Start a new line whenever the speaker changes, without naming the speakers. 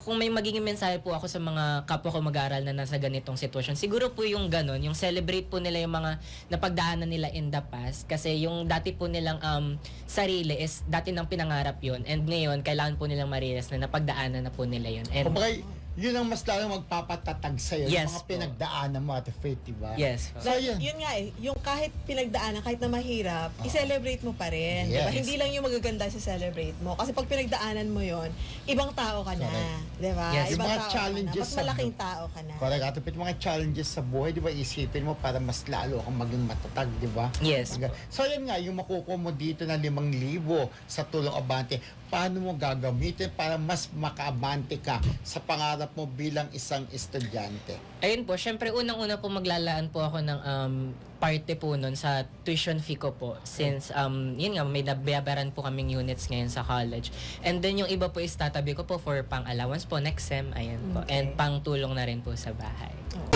kung may magiging mensahe po ako sa mga kapwa ko mag-aaral na nasa ganitong sitwasyon, siguro po yung ganon, yung celebrate po nila yung mga napagdaanan nila in the past. Kasi yung dati po nilang sarili is dati nang pinangarap yun. And ngayon, kailangan po nilang ma-realize na napagdaanan na po nila yun. And
Kumbaga, yun ang mas lalong magpapatatag sa'yo,
Yes
yung mga
po.
pinagdaanan mo at Faith, diba?
yes po.
So, yun.
Yun nga eh, yung kahit pinagdaanan, kahit na mahirap, i-celebrate mo pa rin. Diba?
Yes.
Hindi lang yung magaganda sa celebrate mo. Kasi pag pinagdaanan mo yon, ibang tao ka na.
Correct.
Diba?
Yes.
Yung
Ibang
mga
tao ka na.
challenges
Mas
sa
malaking tao ka na.
Correct. At Faith, mga challenges sa buhay, di ba, isipin mo para mas lalo kang maging matatag, di ba?
Yes po.
So, yan nga, yung makukuha mo dito na 5,000 sa tulong abante, paano mo gagamitin para mas makaabante ka sa pangarap mo bilang isang estudyante?
Ayun po, syempre unang-una po maglalaan po ako ng parte po nun sa tuition fee ko po. Since, yun nga, may nabayaran po kaming units ngayon sa college. And then yung iba po is tatabi ko po for pang-allowance po next sem, ayan po.
Okay.
And pang tulong na rin po sa bahay.